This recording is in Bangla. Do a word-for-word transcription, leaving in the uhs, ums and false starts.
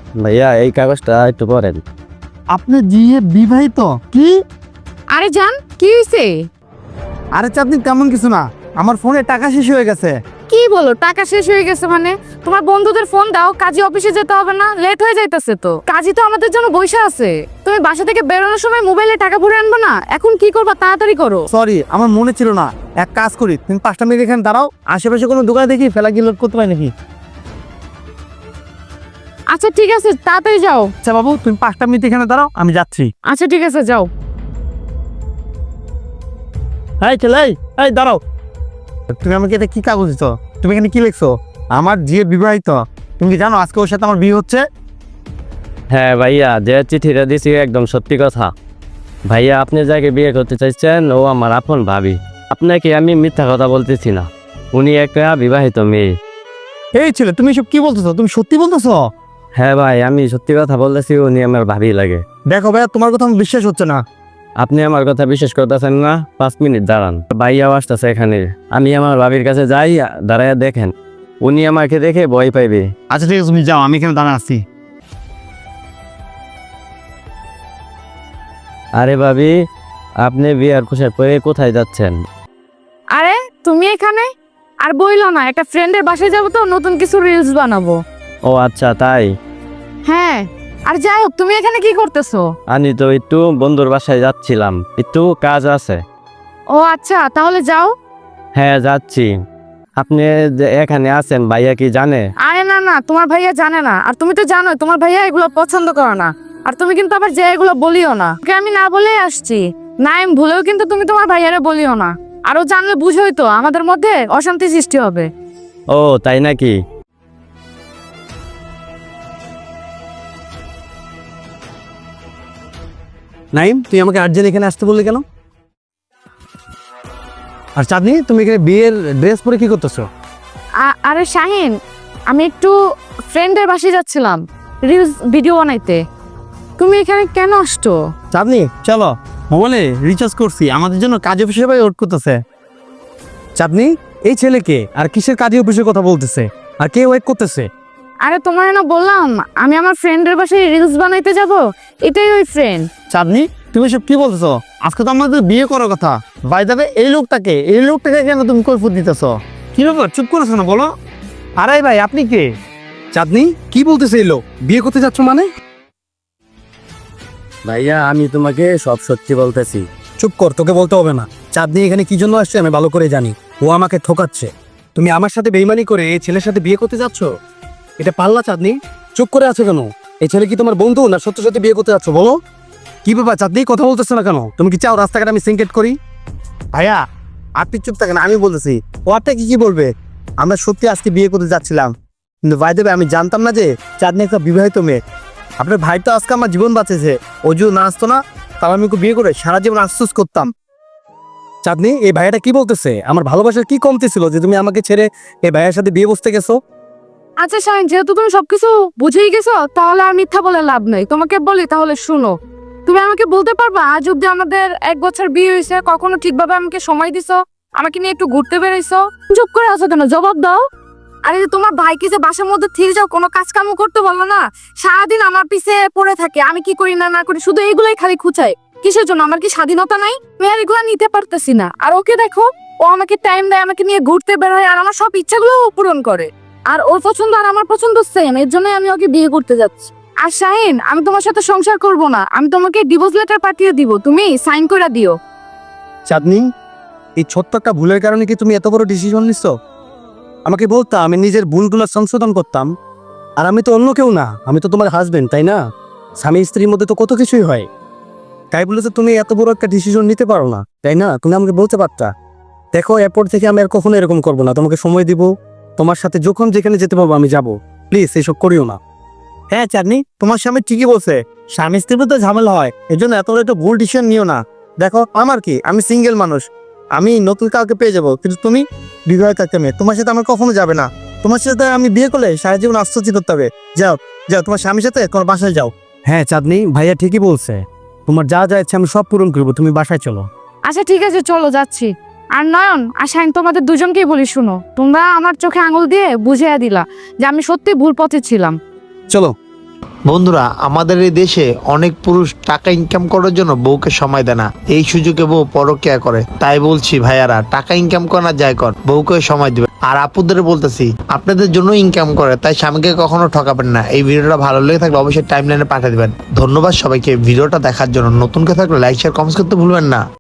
ভাইয়া এই কাগজটা একটু পড়েন। আপনি জিয়ে বিবাহিত? কি? আরে জান, কি হয়েছে? আরে চাঁদনি তেমন কিছু না, আমার ফোনে টাকা শেষ হয়ে গেছে। কি বলো টাকা শেষ হয়ে গেছে মানে? তোমার বন্ধুদের ফোন দাও, কাজী অফিসে যেতে হবে না? লেট হয়ে যাইতেছে তো। কাজী তো আমাদের জন্য বইসা আছে। তুমি বাসা থেকে বেরোনোর সময় মোবাইলে টাকা ভরে আনবে না? এখন কি করবা, তাড়াতাড়ি করো। সরি, আমার মনে ছিল না। এক কাজ করি, তুমি পাঁচটা মিনিট এখানে দাঁড়াও, আশেপাশে কোনো দোকানে দেখি ফেলা কি লোড করতে পারি নাকি। আচ্ছা ঠিক আছে, তাড়াতাড়ি যাও। আচ্ছা বাবু, তুমি পাঁচটা মিনিট এখানে দাঁড়াও, আমি যাচ্ছি। আচ্ছা ঠিক আছে, যাও। এই ছেলে, এই দাঁড়াও। তুমি আমাকে এটা কি কাগজ দিছো? তুমি এখানে কি লিখছো? আমার জিয়ে বিবাহিত। তুমি কি জানো আজকে ওর সাথে আমার বিয়ে হচ্ছে? হ্যাঁ ভাইয়া, যে চিঠিটা দিছি একদম সত্যি কথা। ভাইয়া আপনি যাকে বিয়ে করতে চাইছেন ও আমার আপন ভাবি। আপনাকে আমি মিথ্যা কথা বলতেছি না, উনি একটা বিবাহিত মেয়ে। এই ছেলে, তুমি সব কি বলতেছো? তুমি সত্যি বলতেছো? হ্যাঁ ভাই, আমি সত্যি কথা বলতেছি, উনি আমার ভাবি লাগে। দেখো ভাইয়া, তোমার কথা আমার বিশ্বাস হচ্ছে না। আপনি আমার কথা বিশ্বাস করতেছেন না? পাঁচ মিনিট দাঁড়ান, ভাইয়াও আসতেছে এখানে। আমি আমার ভাবির কাছে যাই, দাঁড়াইয়া দেখেন, উনি আমাকে দেখে ভয় পাইবে। আচ্ছা ঠিক আছে, তুমি যাও, আমি এখানে দাঁড়া আছি। আরে ভাবি, আপনি বিয়ার পোশাক পরে কোথায় যাচ্ছেন? আরে তুমি এখানে? আর বইলো না, একটা ফ্রেন্ডের বাসায় যাবো তো, নতুন কিছু রিলস বানাবো। ও আচ্ছা তাই। হ্যাঁ, আর যাই হোক, তুমি এখানে কি করতেছো? আমি তো একটু বন্ধুর বাসায় যাচ্ছিলাম, একটু কাজ আছে। ও আচ্ছা, তাহলে যাও। হ্যাঁ যাচ্ছি। আপনি যে এখানে আছেন, ভাইয়া কি জানে? আরে না না, তোমার ভাইয়া জানে না। আর তুমি তো জানো তোমার ভাইয়া এগুলো পছন্দ করে না। আর তুমি কিন্তু আবার যে এগুলো বলিও না, ওকে আমি না বলেই আসছি। না আমি ভুলেও কিন্তু তুমি তোমার ভাইয়ারে বলিও না। আরো জানলে বুঝোই তো আমাদের মধ্যে অশান্তি সৃষ্টি হবে। ও তাই নাকি? নাইম, তুই আমাকে আর্জেন্ট এখানে আসতে বললি কেন? আর চাঁদনি, তুমি এখানে বিয়ের ড্রেস পরে কি করতেছো? আ- আরে শাহিন, আমি একটু ফ্রেন্ডের বাসায় যাচ্ছিলাম রিলস ভিডিও বানাইতে। তুমি এখানে কেন আসছো? চাঁদনি চলো, মোবাইলে রিচার্জ করছি, আমাদের জন্য কাজ অফিসে ভাই ওয়েট করতেছে। চাঁদনি, এই ছেলেকে আর কিসের কাজে অফিসের কথা বলতেছে, আর কে ওয়েট করতেছে? আরে তোমার না বললাম আমি আমার ফ্রেন্ডের বাসায় রিলস বানাইতে যাব, এটাই ওই ফ্রেন্ড। চাঁদনি, তুমি সব কি বলতেছো? আজকে তো আমাদের বিয়ে করার কথা। ভাই যাবে এই লোকটাকে, এই লোকটাকে কেন তুমি কৈফিয়ত দিতেছো? কি ব্যাপার, চুপ করেছো না, বলো। আরে ভাই, আপনি কে? চাঁদনি, কি বলতেছে এই লোক? বিয়ে করতে যাচ্ছ মানে? ভাইয়া আমি তোমাকে সব সত্যি বলতেছি। চুপ কর, তোকে বলতে হবে না। চাঁদনি এখানে কি জন্য আসছে আমি ভালো করে জানি। ও আমাকে ঠকাচ্ছে। তুমি আমার সাথে বেইমানি করে এই ছেলের সাথে বিয়ে করতে যাচ্ছ? এটা পারলা চাঁদনি? চুপ করে আছো কেন? এই ছেলে কি তোমার বন্ধু, না সত্যি সত্যি বিয়ে করতে যাচ্ছ? বলো কি ব্যাপার চাঁদনি, কথা বলতেছো না কেন? তুমি কি চাও রাস্তাঘাটে আমি সিনকেট করি? ভাইয়া আপনি চুপ থাকেন, আমি বলতেছি। ও আপনাকে কি বলবে? আমরা সত্যি আজকে বিয়ে করতে যাচ্ছিলাম, কিন্তু ভাই দেবে আমি জানতাম না যে চাঁদনি একটা বিবাহিত মেয়ে। আপনার ভাই তো আজকে আমার জীবন বাঁচেছে। ও যদি না আসতো না, তাহলে আমি ওকে বিয়ে করে সারা জীবন আফসোস করতাম। চাঁদনি, এই ভাইয়াটা কি বলতেছে? আমার ভালোবাসার কি কমতি ছিল যে তুমি আমাকে ছেড়ে এই ভাইয়ের সাথে বিয়ে বসতে গেছো? আচ্ছা শাহিন, যেহেতু তুমি সবকিছু বুঝেই গেছো, তাহলে আর মিথ্যা বলে লাভ নেই। তোমাকে বলি তাহলে শুনো। তুমি আমাকে বলতে পারবা আজ অব্দি আমাদের এক বছর বিয়ে হয়েছে, কখনো ঠিকভাবে আমাকে সময় দিছো, আমাকে নিয়ে একটু ঘুরতে বেরোইছো? চুপ করে আছো কেন, জবাব দাও। আরে যে তোমার ভাইকে যে বাসার মধ্যে থেকে যাও, কোনো কাজ কামও করতে বলো না, সারাদিন আমার পিছে পড়ে থাকে, আমি কি করি না না করি শুধু এইগুলাই খালি খুঁচাই। কিসের জন্য? আমার কি স্বাধীনতা নাই? আমি আর এগুলো নিতে পারতেছি না। আর ওকে দেখো, ও আমাকে টাইম দেয়, আমাকে নিয়ে ঘুরতে বেরোয়, আর আমার সব ইচ্ছাগুলো পূরণ করে। আর ওর পছন্দ আর আমার পছন্দ সেম, এর জন্য আমি ওকে বিয়ে করতে যাচ্ছি। আর শাহিন, আমি তোমার সাথে সংসার করব না, আমি তোমাকে ডিভোর্স লেটার পাঠিয়ে দিব, তুমি সাইন করে দিও। চাঁদনি, এই ছোট্ট একটা ভুলের কারণে কি তুমি এত বড় ডিসিশন নিচ্ছ? আমাকে বলতাম, আমি নিজের ভুলগুলো সংশোধন করতাম। আর আমি তো অন্য কেউ না, আমি তো তোমার হাজবেন্ড, তাই না? স্বামী স্ত্রীর মধ্যে তো কত কিছুই হয়। তাই বলে তো তুমি এত বড় একটা ডিসিশন নিতে পারো না, তাই না? তুমি আমাকে বলতে পারতা। দেখো, এরপর থেকে আমি আর কখনো এরকম করবো না। তোমাকে সময় দিব, তোমার সাথে যখন যেখানে যেতে পারবো আমি যাব। প্লিজ এইসব করিও না। হ্যাঁ চাঁদনি, তোমার স্বামী ঠিকই বলছে, স্বামী স্ত্রীর মধ্যে ঝামেলা হয়, এই জন্য এত বড় একটা ভুল ডিসিশন নিও না। দেখো আমার কি, আমি সিঙ্গেল মানুষ, আমি নতুন কাউকে পেয়ে যাবো, কিন্তু তুমি বিবাহিত একটা মেয়ে, তোমার সাথে আমার কখনো যাবে না। তোমার সাথে আমি বিয়ে করলে সারা জীবন আশ্চর্য করতে হবে। যাও যাও, তোমার স্বামীর সাথে তোমার বাসায় যাও। হ্যাঁ চাঁদনি, ভাইয়া ঠিকই বলছে, তোমার যা যা ইচ্ছে আমি সব পূরণ করবো, তুমি বাসায় চলো। আচ্ছা ঠিক আছে, চলো যাচ্ছি। আর নয়ন আর শাহিন, তোমাদের দুজনকেই বলি শুনো, তোমরা আমার চোখে আঙুল দিয়ে বুঝিয়ে দিলা যে আমি সত্যি ভুল পথে ছিলাম। চলো। বন্ধুরা, আমাদের এই দেশে অনেক পুরুষ টাকা ইনকাম করার জন্য বউকে সময় দেয় না, এই সুযোগে বউ পরকিয়া করে। তাই বলছি ভাইয়ারা, টাকা ইনকাম করা যায় কর, বউকে সময় দিবে। আর আপুদের বলতেছি, আপনাদের জন্য ইনকাম করে, তাই স্বামীকে কখনো ঠকাবেন না। এই ভিডিওটা ভালো লেগে থাকলে অবশ্যই টাইমলাইনে পাঠিয়ে দিবেন। ধন্যবাদ সবাইকে ভিডিওটা দেখার জন্য। নতুন কেউ থাকলে লাইক শেয়ার কমেন্ট করতে ভুলবেন না।